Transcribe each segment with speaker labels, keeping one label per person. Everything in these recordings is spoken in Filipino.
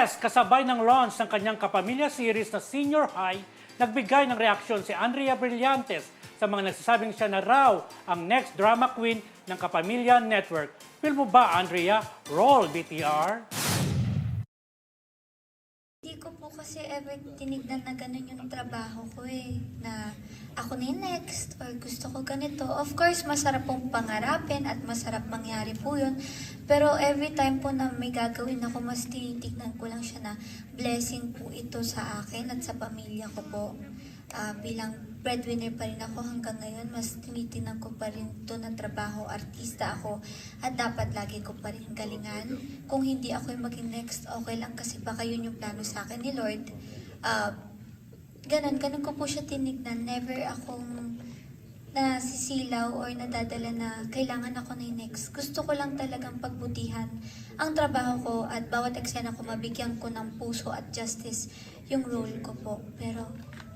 Speaker 1: Yes, kasabay ng launch ng kanyang kapamilya series na Senior High, nagbigay ng reaksyon si Andrea Brillantes sa mga nagsasabing siya na raw ang next drama queen ng Kapamilya Network. Feel mo ba, Andrea? Roll, BTR!
Speaker 2: Hindi ko po kasi ever tinignan na ganun yung trabaho ko eh. Na ako na yung next or gusto ko ganito. Of course, masarap pong pangarapin at masarap mangyari po yun. Pero every time po na may gagawin ako, mas tinitignan ko lang siya na blessing po ito sa akin at sa pamilya ko po. Bilang breadwinner pa rin ako hanggang ngayon, mas tinitingnan ko pa rin ito na trabaho, artista ako, at dapat lagi ko pa rin galingan. Kung hindi ako yung maging next, okay lang kasi baka yun yung plano sa akin ni Lord. Ganun ko po siya tinignan. Never akong nasisilaw or nadadala na kailangan ako na yung next. Gusto ko lang talagang pagbutihan ang trabaho ko at bawat eksena ko mabigyan ko ng puso at justice yung role ko po. Pero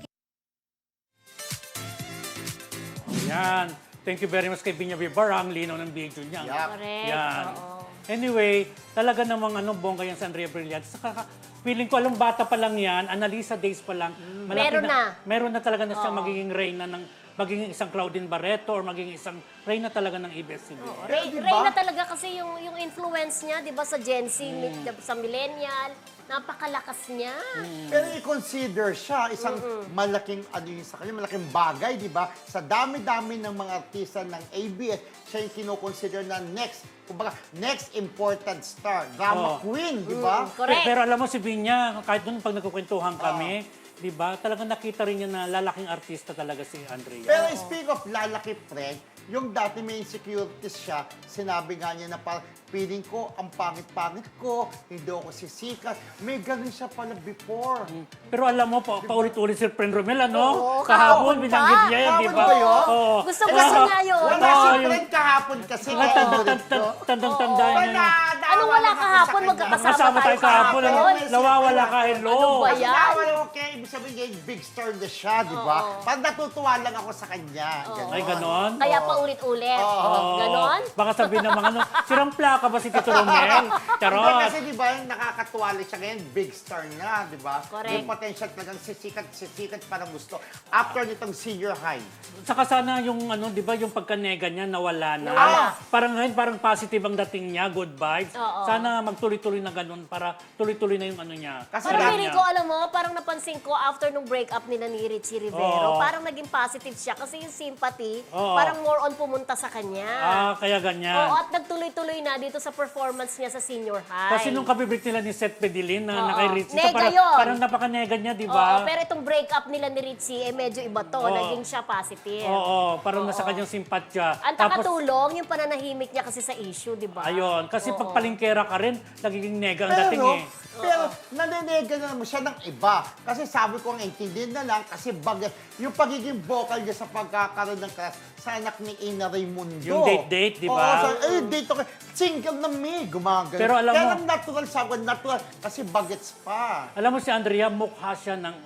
Speaker 1: Yan. Thank you very much kay Binya Vibara. Ang linaw ng video niya.
Speaker 3: Yep.
Speaker 4: Correct.
Speaker 1: Yan.
Speaker 4: Oo.
Speaker 1: Anyway, talaga namang bongga yan sa Andrea Brillantes. Saka, feeling ko, alam, bata pa lang yan, Annalisa days pa lang. Malaki meron na talaga na siyang magiging reyna ng magiging isang Claudine Barreto or magiging isang reyna talaga ng ABS-CBN.
Speaker 4: Reyna talaga kasi yung influence niya, di ba, sa Gen Z, sa millennial, napakalakas niya.
Speaker 3: Pero i-consider siya isang malaking ano yun sa kanya, malaking bagay, di ba? Sa dami-dami ng mga artista ng ABS, siya yung kinoconsider na next, kumbaga, next important star, drama queen, di ba?
Speaker 4: Correct.
Speaker 1: Pero alam mo si Binya, kahit doon pag nagkukwentuhan kami, di ba, talagang nakita rin niya na lalaking artista talaga si Andrea.
Speaker 3: Pero speak of lalaki, friend, yung dati may insecurities siya, sinabi nga niya na parang feeling ko, ang pangit-pangit ko, hindi ako sisikat. May ganun siya pala before.
Speaker 1: Pero alam mo, paulit-ulit si Friend Romel, ano?
Speaker 4: Oo,
Speaker 1: Kahapon,
Speaker 4: kahapon pa.
Speaker 1: binanggit niya yan, di ba?
Speaker 3: Kahapon ba yun?
Speaker 1: Oo.
Speaker 4: Gusto niya yun.
Speaker 3: Wala
Speaker 1: Oo,
Speaker 3: si
Speaker 1: yung-
Speaker 3: friend kahapon kasi.
Speaker 1: Tandang-tanda niya.
Speaker 4: Anong wala kahapon? Magkakasama tayo
Speaker 1: kahapon.
Speaker 4: kahapon.
Speaker 1: Nawawala ka, hello.
Speaker 4: Ano ba
Speaker 3: Kasi
Speaker 4: yan?
Speaker 3: nawala ko kaya, ibig sabihin niya, big star na siya, di ba? Parang natutuwa lang ako sa kanya. Ganon.
Speaker 1: Ay, ganon?
Speaker 4: Kaya paulit-ulit.
Speaker 1: Oo.
Speaker 4: Ganon?
Speaker 1: Baka sabihin ng mga ano, sirang plaka ba si Tito Romel?
Speaker 3: Hindi,
Speaker 1: Charot.
Speaker 3: kasi di ba, nakakatuwa lang siya ngayon, big star na, di ba?
Speaker 4: Correct.
Speaker 3: May potential talagang sisikat, parang gusto. After nitong senior high.
Speaker 1: Saka sana yung di ba, yung pagkanega niya nawala na.
Speaker 4: Nawala.
Speaker 1: Parang ngayon, parang positive ang dating niya, good vibes.
Speaker 4: Oo.
Speaker 1: Sana magtuloy-tuloy na ganun para tuloy-tuloy na yung ano niya.
Speaker 3: Kasi
Speaker 4: Pero
Speaker 1: career
Speaker 4: feeling
Speaker 1: niya.
Speaker 4: ko, alam mo, parang napansin ko after nung breakup nila ni Richie Rivero,
Speaker 1: Oo.
Speaker 4: parang naging positive siya kasi yung sympathy,
Speaker 1: Oo.
Speaker 4: parang more on pumunta sa kanya.
Speaker 1: Kaya ganyan.
Speaker 4: Oo, at nagtuloy-tuloy na dito sa performance niya sa senior high.
Speaker 1: Kasi nung kabibig nila ni Seth Pedilin na
Speaker 4: Oo.
Speaker 1: naka-Richie,
Speaker 4: Nega
Speaker 1: parang,
Speaker 4: yun.
Speaker 1: parang napakanega niya, di
Speaker 4: Oo,
Speaker 1: ba?
Speaker 4: pero itong breakup nila ni Richie, medyo iba to.
Speaker 1: Oo.
Speaker 4: Naging siya positive.
Speaker 1: Oo, parang nasa kanyang simpatya.
Speaker 4: Ang takatulong, yung pananahimik niya kasi sa issue, di ba?
Speaker 1: Ayun, kasi pag palingkera ka rin, nagiging nega ang dating eh.
Speaker 3: Pero nanenega na naman siya ng iba. Kasi sabi ko ang intindihin na lang kasi yung pagiging vocal niya sa pagkakaroon ng crush sa anak ni Ina Raimundo.
Speaker 1: Yung date-date, di ba?
Speaker 3: Oo, date okay. Single na me, gumagano.
Speaker 1: Pero alam mo-
Speaker 3: Kaya natural sabi ko, natural kasi bagets pa.
Speaker 1: Alam mo si Andrea, mukha siya ng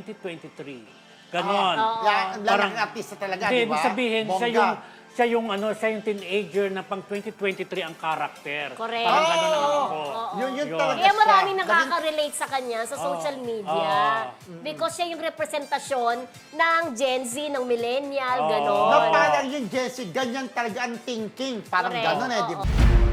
Speaker 1: 2023. Ganon.
Speaker 3: Lalaking artista talaga,
Speaker 1: Hindi,
Speaker 3: di ba?
Speaker 1: ibig sabihin,
Speaker 3: Bongga.
Speaker 1: siya yung teenager na pang 2023 ang karakter.
Speaker 4: Correct.
Speaker 1: Parang gano'n ang ako.
Speaker 3: Yun
Speaker 1: Yun.
Speaker 3: talaga
Speaker 4: Kaya
Speaker 3: siya.
Speaker 4: maraming nakaka-relate sa kanya sa social media.
Speaker 1: Oo.
Speaker 4: Because siya yung representasyon ng Gen Z, ng millennial,
Speaker 1: Oo.
Speaker 4: gano'n.
Speaker 3: Na parang yung Jessie, ganyan talaga ang thinking. Parang
Speaker 4: Correct.
Speaker 3: gano'n eh, di
Speaker 4: Oo.
Speaker 3: ba?